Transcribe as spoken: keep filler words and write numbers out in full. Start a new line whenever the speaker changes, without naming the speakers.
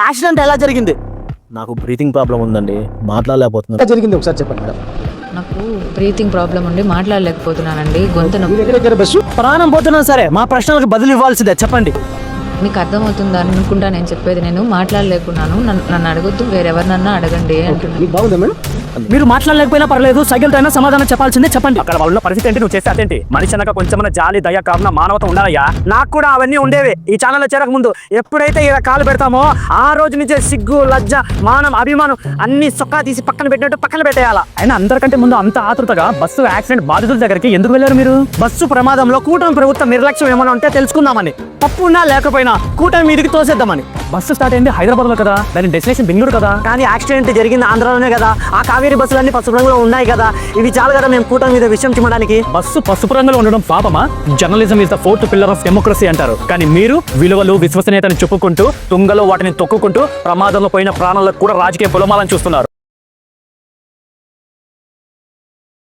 Accident ఎలా జరిగింది?
నాకు బ్రీతింగ్ ప్రాబ్లం ఉందండి, మాట్లాడలేకపోతున్నాను.
జరిగింది ఒకసారి చెప్పండి మేడం.
నాకు బ్రీతింగ్ ప్రాబ్లం ఉండి మాట్లాడలేకపోతున్నానండి. గొంతు నొప్పి.
బస్సు
ప్రాణం పోతున్నా సరే మా ప్రశ్నలకు బదులు ఇవ్వాల్సిందే, చెప్పండి.
మీకు అర్థమవుతుందా అనుకుంటా నేను చెప్పేది. నేను మాట్లాడలేకున్నాను, నన్ను నన్ను అడగొద్దు, వేరెవరినన్నా అడగండి అంటున్నాను.
మీకు బాగుందా మేడం?
మీరు మాట్లాడలేకపోయినా పర్లేదు, సైకిల్ అయినా సమాధానం చెప్పాల్సిందే, చెప్పండి.
అక్కడ వాళ్ళ పరిస్థితి ఏంటి, నువ్వు చేస్తే అదేంటి? మనిషి అనక కొంచెం జాలి, దయ, కరుణ, మానవత ఉండాలయ్యా.
నాకు కూడా అవన్నీ ఉండేవి ఈ ఛానల్లో చేరక ముందు. ఎప్పుడైతే ఇలా కాలు పెడతామో ఆ రోజు నుంచే సిగ్గు, లజ్జ, మానం, అభిమానం అన్ని సొక్కా తీసి పక్కన పెట్టినట్టు పక్కన పెట్టేయాలా.
అయినా అందరికంటే ముందు అంత ఆతృతగా బస్సు యాక్సిడెంట్ బాధితుల దగ్గరికి ఎందుకు వెళ్ళారు మీరు?
బస్సు ప్రమాదంలో కూటమి ప్రభుత్వం నిర్లక్ష్యం ఏమైనా ఉంటే తెలుసుకుందామని, తప్పు ఉన్నా లేకపోయినా కూటమి మీదికి తోసేద్దామని.
బస్సు స్టార్ట్ అయింది హైదరాబాద్ లో కదా, దాని డెస్టినేషన్ బెంగళూరు కదా.
కానీ యాక్సిడెంట్ జరిగింది ఆంధ్రాలోనే కదా. ఆ కావేరీ బస్సులన్నీ పసుపు రంగులో ఉన్నాయి కదా. ఇవి చాలు కదా మేము కూటమి మీద విషయం చిమ్మడానికి.
బస్సు పసుపు రంగులో ఉండడం పాపమా? Journalism is the fourth pillar of democracy అంటారు. కానీ మీరు విలువలు, విశ్వసనీయతను చెప్పుకుంటూ తుంగలో వాటిని తొక్కుకుంటూ ప్రమాదంలో పోయిన ప్రాణాలకు కూడా రాజకీయ పొలమాలని చూస్తున్నారు.